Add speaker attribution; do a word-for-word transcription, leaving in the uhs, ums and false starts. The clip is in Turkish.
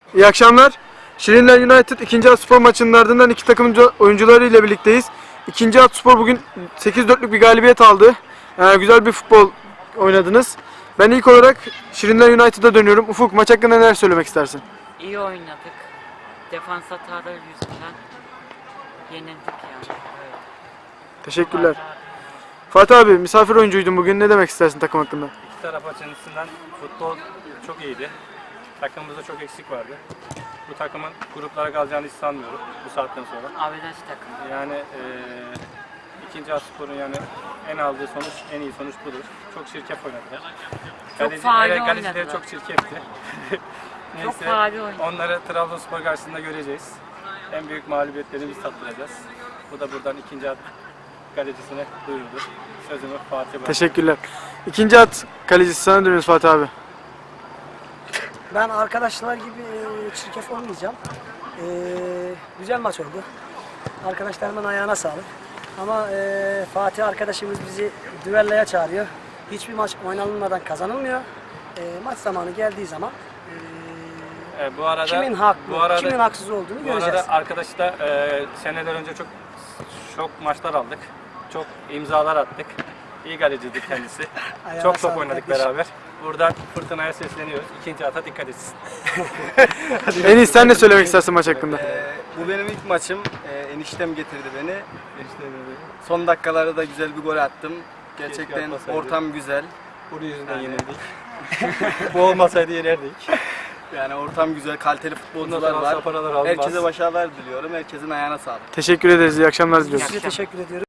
Speaker 1: İyi akşamlar. Şirinler United ikinci at spor maçının ardından iki takım oyuncuları ile birlikteyiz. İkinci at spor bugün sekiz dörtlük bir galibiyet aldı. Ee, güzel bir futbol oynadınız. Ben ilk olarak Şirinler United'a dönüyorum. Ufuk, maç hakkında neler söylemek istersin?
Speaker 2: İyi oynadık. Defans hataları yüzünden yenildik yani. Evet.
Speaker 1: Teşekkürler. Fatih abi, misafir oyuncuydun bugün. Ne demek istersin takım hakkında?
Speaker 3: İki taraf açısından futbol çok iyiydi. Takımımızda çok eksik vardı. Bu takımın gruplara kalacağını hiç sanmıyorum bu saatten sonra.
Speaker 2: Averaj takım.
Speaker 3: Yani e, ikinci Aspor'un yani en aldığı sonuç, en iyi sonuç budur. Çok çirkef oynadılar.
Speaker 2: Çok faali
Speaker 3: evet, kalecileri
Speaker 2: oynadılar.
Speaker 3: çok çirkefti.
Speaker 2: Çok faali oynadılar.
Speaker 3: Onları Trabzonspor karşısında göreceğiz. En büyük mağlubiyetlerini biz tattıracağız. Bu da buradan ikinci at kalecisine duyurulur. Sözümü Fatih Bey.
Speaker 1: Teşekkürler. İkinci at kalecisi sana dönüyoruz Fatih abi.
Speaker 4: Ben arkadaşlar gibi e, çirkef olmayacağım. E, güzel maç oldu. Arkadaşlarımın ayağına sağlık. Ama e, Fatih arkadaşımız bizi düelloya çağırıyor. Hiçbir maç oynanılmadan kazanılmıyor. E, maç zamanı geldiği zaman e,
Speaker 3: E, bu arada,
Speaker 4: kimin haklı,
Speaker 3: bu arada,
Speaker 4: kimin haksız olduğunu
Speaker 3: bu
Speaker 4: göreceğiz.
Speaker 3: arada arkadaşı da e, seneler önce çok çok maçlar aldık. Çok imzalar attık. İyi galeciydi kendisi.
Speaker 4: Ayağına
Speaker 3: çok top
Speaker 4: sağlık
Speaker 3: oynadık
Speaker 4: kardeşim.
Speaker 3: beraber. Buradan Fırtına'ya sesleniyoruz. İkinci ata dikkat etsin.
Speaker 1: En iyi sen ne söylemek istersin maç hakkında?
Speaker 5: Ee, bu benim ilk maçım. Ee, eniştem getirdi beni. Son dakikalarda da güzel bir gol attım. Gerçekten
Speaker 3: atmasaydı.
Speaker 5: ortam güzel.
Speaker 3: Bunun yüzünden
Speaker 5: Yani-
Speaker 3: yenildik. Bu olmasaydı yenerdik.
Speaker 5: Yani ortam güzel, kaliteli futbolcular
Speaker 3: Bundan sonra
Speaker 5: var.
Speaker 3: alsa paralar almaz.
Speaker 5: Herkese başarılar diliyorum. Herkesin ayağına sağlık.
Speaker 1: Teşekkür ederiz. İyi akşamlar diliyoruz.
Speaker 4: Size teşekkür ediyorum.